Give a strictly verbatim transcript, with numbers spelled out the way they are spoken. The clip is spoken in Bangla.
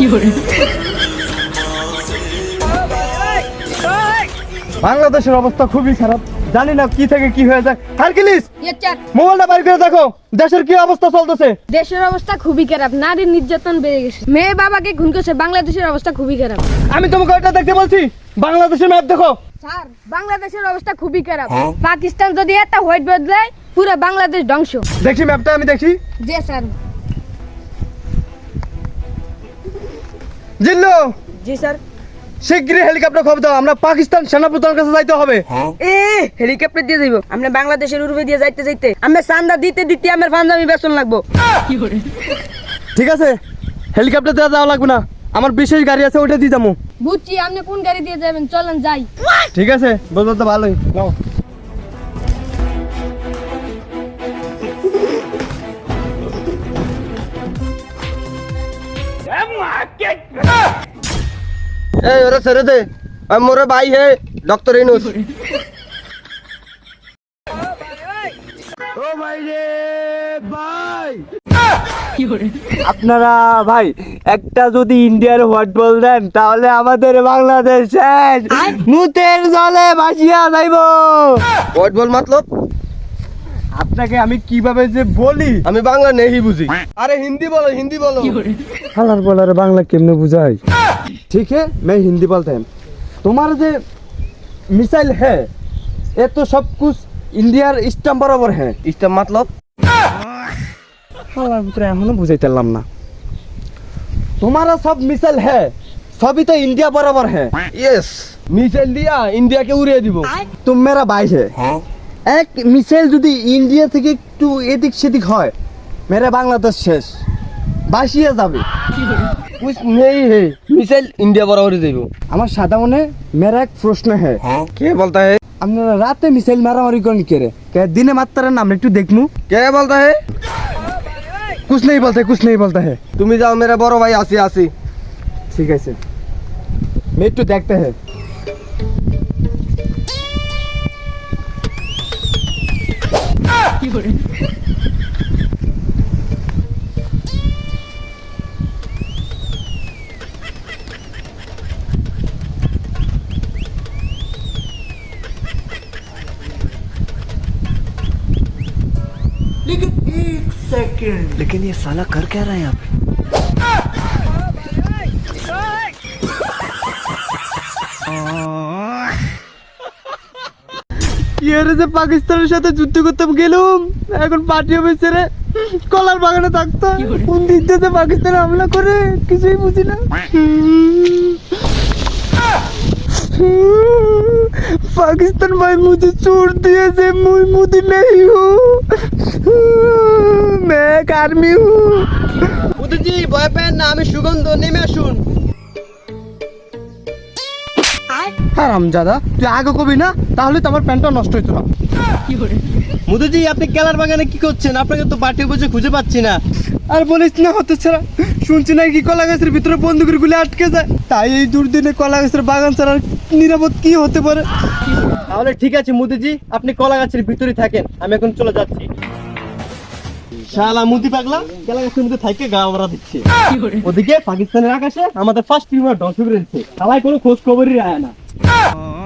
বাংলাদেশের অবস্থা খুবই খারাপ, জানি না কি থেকে কি হয়ে যায়। হারকিলিস, মোবাইলটা বাইর করে দেখো, দেশের কি অবস্থা চলতেছে। দেশের অবস্থা খুবই খারাপ, নারীর নির্যাতন বেড়ে গেছে, মেয়ে বাবাকে খুন করছে। বাংলাদেশের অবস্থা খুবই খারাপ। আমি তোমাকে ওইটা দেখতে বলছি, বাংলাদেশের ম্যাপ দেখো। স্যার, বাংলাদেশের অবস্থা খুবই খারাপ। পাকিস্তান যদি একটা হোয়াইট বদলায়, পুরো বাংলাদেশ ধ্বংস। দেখি ম্যাপটা, আমি দেখি। জি স্যার। জিল্লু, জি স্যার। শীঘ্রই হেলিকপ্টার খবর দাও, আমরা পাকিস্তান সেনাপ্রধানের কাছে যাইতে হবে। এ হেলিকপ্টার দিয়ে যাইব, আমরা বাংলাদেশের উড়বে দিয়ে যাইতে যাইতে আমরা চান্দা দিতে দিতে আমার ফান্দামি বেতন লাগবো। ঠিক আছে, হেলিকপ্টার দেওয়া যাওয়া লাগবে না, আমার বিশেষ গাড়ি আছে, ওইটা দিয়ে যাবো। বুঝছি, আপনি কোন গাড়ি দিয়ে যাবেন, চলেন যাই। ঠিক আছে, বুঝলো তো ভালোই। নাও। এই ওরে ছেড়ে দে, আমি মোরে ভাই হে ডক্টর ইনুস। ও ভাই রে ভাই, আপনারা ভাই একটা যদি ইন্ডিয়ার হোয়াট বল দেন, তাহলে আমাদের বাংলাদেশ শেষ, মুতের জলে ভাসিয়া যাইব। হোয়াট বল মতলব? আপনাকে আমি কিভাবে যে বলি, আমি বাংলা নেই বুঝি। আরে হিন্দি বলো, হিন্দি বলো। হালার বলার বাংলা কেমনে বুঝাই? ठीक है, मैं हिंदी बोलता हूँ। तुम्हारा जो मिसाइल है, ये तो सब कुछ इंडिया स्टैम्प बराबर है। ইসটা মতলব? হালার ভিতরে এখনো বুঝাইতে পারলাম না। तुम्हारा सब मिसाइल है, सभी तो इंडिया बराबर है। ইয়েস, মিসাইল দিয়া ইন্ডিয়াকে উড়িয়ে দিব। तुम मेरा भाई है, एक मिसाइल যদি ইন্ডিয়া থেকে একটু এদিক সেদিক হয়, मेरा বাংলাদেশ শেষ, বাসিয়ে যাবে। कुछ नहीं है, मिसाइल इंडिया बराबर ही देबो। আমার সাদা মনে मेरा एक प्रश्न है। কে বলতা है? আপনারা রাতে মিসাইল মারামারি করেন কে রে? কে দিনে মাত্রার নাম একটু দেখনু। কে বলতা है? कुछ नहीं बोलते, कुछ नहीं बोलता है। তুমি যাও, মেরা বড় ভাই আসি আসি। ठीक है सर, मैं একটু দেখতে है। लेकिन ये साला कर क्या रहा है यहाँ पे? কি আরে যে পাকিস্তানের সাথে যুদ্ধ করতে গেলুম, এখন পার্টি অফিসারে কলার বাগানে থাকতো, কোন দিক থেকে পাকিস্তান হামলা করে কিছুই বুঝি না। पाकिस्तान भाई मुझे छोड़ दिया से, मुझ मोदी नहीं हूँ, मैं एक आर्मी हूँ। উদুজি ভয় পেন না, আমি সুগন্ধ, নেমে আসুন। হারামজাদা, তুই আগে কবি না, তাহলে তো আমার প্যান্টটা নষ্ট হইতো না। মুদুজি আপনি কেলার বাগানে কি করছেন? আপনাকে তো পার্টি বসে খুঁজে পাচ্ছি না। আর বলিস না, হতে ছাড়া শুনছি নাকি কলা গাছের ভিতরে বন্দুকের গুলি আটকে যায়, তাই এই দুর্দিনে কলা গাছের বাগান ছাড়া নিরাপদ কি হতে পারে? তাহলে ঠিক আছে মুদিজি, আপনি কলা গাছের ভিতরে থাকেন, আমি এখন চলে যাচ্ছি। শালা মুদি পাগলা কলা গাছের মধ্যে থাইকে গা ভরা দিচ্ছে। ওদিকে পাকিস্তানের আকাশে আমাদের ফার্স্ট টিমার ধ্বংস করে দিচ্ছে, সবাই কোনো খোঁজ খবরই রায় না।